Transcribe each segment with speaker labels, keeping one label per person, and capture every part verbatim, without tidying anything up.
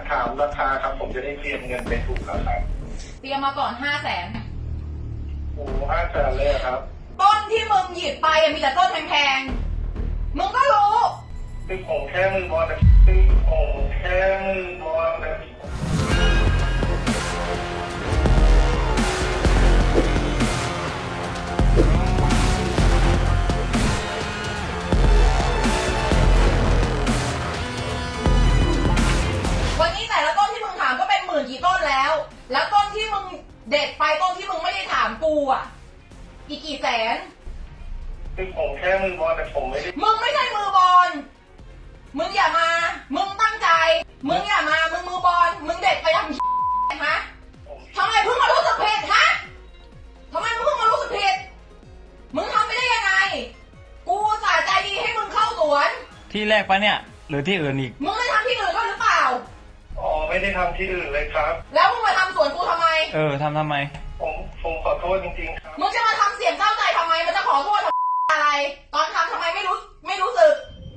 Speaker 1: ถามราคาครับผมจะได้เตรียมเงินไปถูกครับ
Speaker 2: เตรียมมาก่อนห้าแสน
Speaker 1: โอ้ห้าแสนเลยครับ
Speaker 2: ต้นที่มึงหยิบไปอะมีแต่ต้นแพงๆมึงก็รู้
Speaker 1: คือผมแค่มือบอลนะคือผมแค่มือบอลนะ
Speaker 2: วันนี้แต่ละต้นที่มึงถามก็เป็นหมื่นกี่ต้นแล้ว แล้วต้นที่มึงเด็ดไปต้นที่มึงไม่ได้ถามกูอ่ะอีกกี่แสน
Speaker 1: คือผมแค่มือบอลแต่ผมไม่ได้
Speaker 2: มึงไม่ใช่มือบอล มึงอย่ามา มึงตั้งใจ มึงอย่ามา มึงมือบอล มึงเด็ดไปทำฮะทำไมเพิ่งมารู้สึกผิดฮะทำไมมึงเพิ่งมารู้สึกผิด มึงทำไม่ได้ยังไง กูสาใจดีให้มึงเข้าสวน
Speaker 3: ที่แรกปะเนี่ย หรือที่อื่นอีก
Speaker 2: มึงไม่ทำที่อื่นก็หรือเปล่า
Speaker 1: อ๋อไม่ได้ทำที่อื่นเลยครับ
Speaker 2: แล้วมึงมาทำสวนกูทำไม
Speaker 3: เออทำทำไม
Speaker 1: ผมผมขอโทษจริงๆครับ
Speaker 2: มึงจะมาทำเสียงเศร้าใจทำไม มันจะขอโทษทำอะไร ตอนทำทำไมไม่รู้ไม่รู้สึก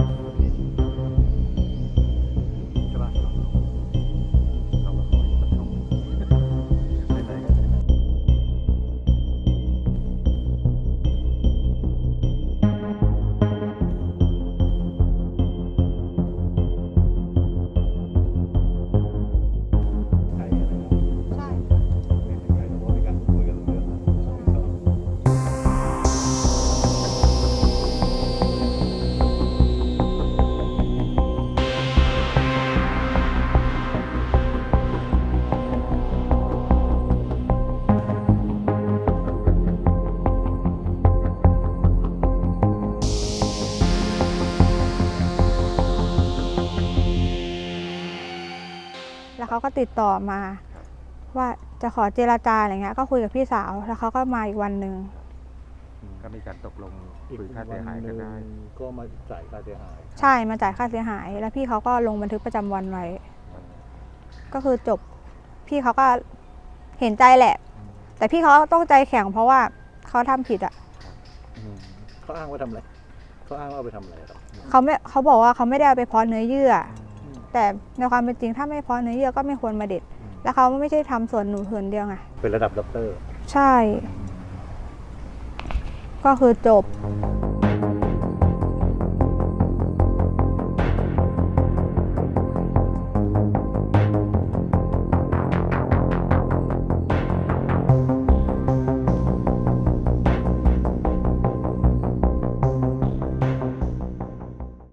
Speaker 4: แล้วเขาก็ติดต่อมาว่าจะขอเจรจาอะไรเงี้ยก็คุยกับพี่สาวแล้วเขาก็มาอีกวันหนึ่ง
Speaker 5: ก็มีการตกลงคุยค่าเสียหายกันได้
Speaker 6: ก็มาจ่ายค่าเสียหาย
Speaker 4: ใช่มาจ่ายค่าเสียหาย แล้วพี่เขาก็ลงบันทึกประจำวันไว้ ก็คือจบพี่เขาก็เห็นใจแหละ แต่พี่เขาต้องใจแข็งเพราะว่าเขาทำผิดอ่ะ
Speaker 6: เขาอ้างว่าทำอะไรเขาอ้างว่าเอาไปทำอะไรครับ
Speaker 4: เขาไม่เขาบอกว่าเขาไม่ได้เอาไปเพาะเนื้อเยื่อ แต่ในความเป็นจริงถ้าไม่เพาะเนื้อเยื่อก็ไม่ควรมาเด็ด แล้วเขาไม่ใช่ทำสวนหนูสวนเดียวไง
Speaker 6: เป็นระดับด็อกเตอร์
Speaker 4: ใช่ ก็คือจบ